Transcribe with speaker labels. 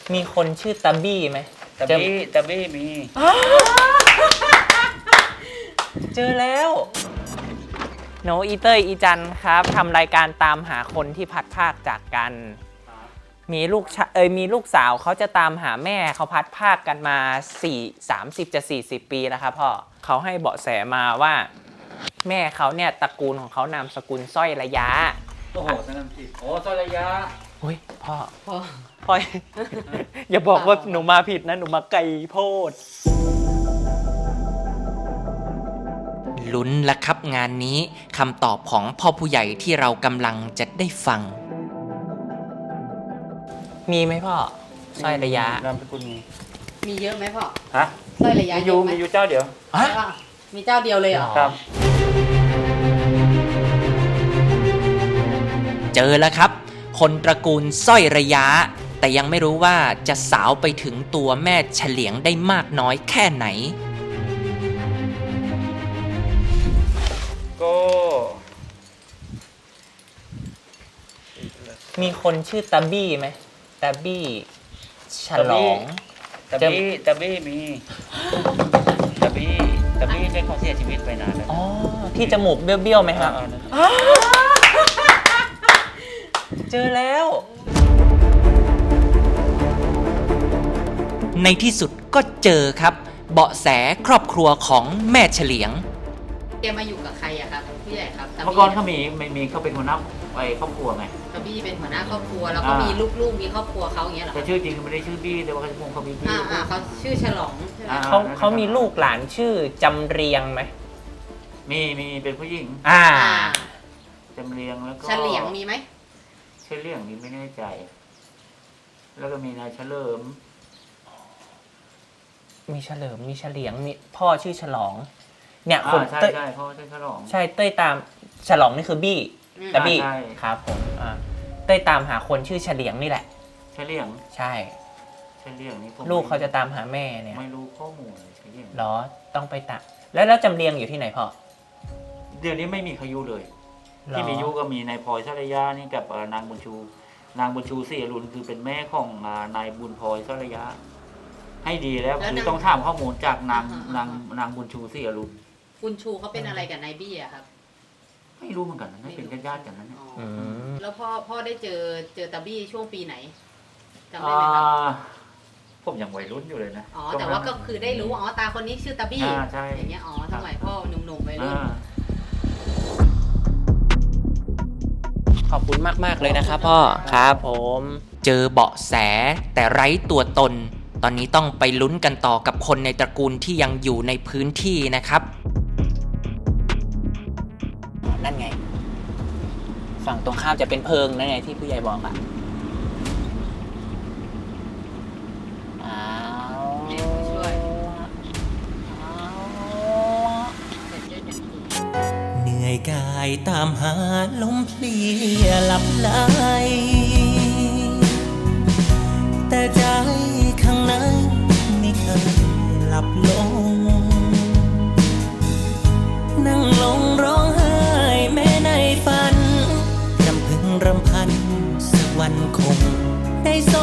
Speaker 1: มีคนชื่อตาบี้ไหม
Speaker 2: ตะบี้มี
Speaker 1: เจอแล้วโนอีเตอร์อีจันครับทำรายการตามหาคนที่พัดพรากจากกัน มีลูกสาวเขาจะตามหาแม่เขาพัดพรากกันมา30 จะ 40 ปีแล้วครับพ่อเขาให้เบาะแสมาว่าแม่เขาเนี่ยตระกูลของเขานามสกุลสร้อยระยะ
Speaker 2: โอ้โหสนามผิดโอ้สระยะ
Speaker 1: เฮ้ยพ่อ อย่าบอกว่าหนูมาผิดนะหนูมาไกลโพดลุ้นละครับงานนี้คำตอบของพ่อผู้ใหญ่ที่เรากำลังจะได้ฟัง มีไหมพ่อสร้อยระยะ
Speaker 2: นามสกุล
Speaker 3: มีเยอะไหมพ่อ
Speaker 2: ฮะ
Speaker 3: สร้อยระยะ
Speaker 2: มี
Speaker 3: เยอะไหม
Speaker 2: อยู่เจ้าเดียว
Speaker 1: ฮะ
Speaker 3: ใช่ป่ะมีเจ้าเดียวเลยเหรอ
Speaker 2: ครับ
Speaker 1: เจอแล้วครับ คนตระกูลสร้อยระยะ แต่ยังไม่รู้ว่าจะสาวไปถึงตัวแม่เฉลียงได้มากน้อยแค่ไหน
Speaker 2: ก็
Speaker 1: มีคนชื่อตาบี้ไหมตาบี้ฉลอง
Speaker 2: ตะบี้มีตะบี้เป็นคนเสียชีวิตไปนานแล้ว
Speaker 1: อ๋อที่จมูกเบี้ยวๆไหมครับ
Speaker 2: นั่น
Speaker 1: เจอแล้ว ในที่สุดก็เจอครับเบาะแสครอบครัวของแม่เฉลียง
Speaker 3: แกมาอยู่กับใครอะครับผู้ใหญ่ครับ
Speaker 2: เมื่อก่อนเขามีเขาเป็นหัวหน้าไอ้ครอบครัวไง
Speaker 3: ตาบี้เป็นหัวหน้าครอบครัวแล้วก็มีลูกๆมีครอบครัวเขาอย่างเงี้ยเหรอ
Speaker 2: แต่ชื่อจริงเขาไม่ได้ชื่อบี้แต่ว่าเขามีบี้
Speaker 3: เขาชื่อฉลองใช่ไหม
Speaker 1: เขามีลูกหลานชื่อจำเรียงไหม
Speaker 2: มีเป็นผู้หญิง
Speaker 3: อ่า
Speaker 2: จำเรียงแล้วก็
Speaker 3: เฉลียงมีไหม
Speaker 2: เฉลียงนี่ไม่แน่ใจ แล้วก็มีนายเฉลิม
Speaker 1: มีเฉลิมมีเฉลียงมีพ่อชื่อฉลอง เนี่ยคน
Speaker 2: ใช่
Speaker 1: เต้ย
Speaker 2: ใช่พ่อชื่อฉลอง
Speaker 1: ใช่เต้ยตามฉลองนี่คือบี้แต่บี้
Speaker 2: ใช่
Speaker 1: ครับผมเต้ยตามหาคนชื่อเฉลียงนี่แหละ
Speaker 2: เฉลียง
Speaker 1: ใช่
Speaker 2: เฉลียงนี่ผม
Speaker 1: ลูกเขาจะตามหาแม่เนี่ย
Speaker 2: ไม่รู้ข้อมูลเลยเฉลียง
Speaker 1: เหรอต้องไปตามแล้วจำเรียงอยู่ที่ไหนพ่อ
Speaker 2: เดี๋ยวนี้ไม่มีใครอยู่เลย
Speaker 1: เหรอ
Speaker 2: ที่มียุก็มีนายพลอยสรยานี่กับนางบุญชู นางบุญชูศรีอรุณคือเป็นแม่ของนายบุญพลอยสรยาให้ดีแล้วคือต้องถามข้อมูลจากนางบุญชูศรีอรุณ
Speaker 3: คุณชูเขาเป็นอะไรกับนายบี้อะครับ
Speaker 2: ไม่รู้เหมือนกันนะไม่เป็นญาติๆกันนั้นเนี่ย
Speaker 3: อ๋อ
Speaker 1: ม
Speaker 3: แล้วพ่อได้เจอตาบี้ช่วงปีไหนจำได้
Speaker 2: อ่
Speaker 3: ไหมครับ
Speaker 2: าผมยังวัยรุ่นอยู่เลยนะ
Speaker 3: อ๋อแต่ว่าก็คือได้รู้อ๋อตาคนนี้ชื่อตาบี้
Speaker 2: ใช่
Speaker 3: อย่างเงี้ยอ๋อสมัยพ่อหนุ่มๆวัยรุ่น
Speaker 1: ขอบคุณมากๆเลยนะครับพ่อครับผม เจอเบาะแสแต่ไร้ตัวตน ตอนนี้ต้องไปลุ้นกันต่อกับคนในตระกูลที่ยังอยู่ในพื้นที่นะครับนั่นไงฝั่งตรงข้ามจะเป็นเพิงนั่นไงที่ผู้ใหญ่บอกอ่ะอ้าว
Speaker 3: ช่วย
Speaker 1: เหนื่อยกายตามหาลมเพลียหลับไหลแต่ใจข้างในไม่เคยหลับลงนั่งลงร้องไห้แม้ในฝันรำพึงรำพันสักวันคงได้ส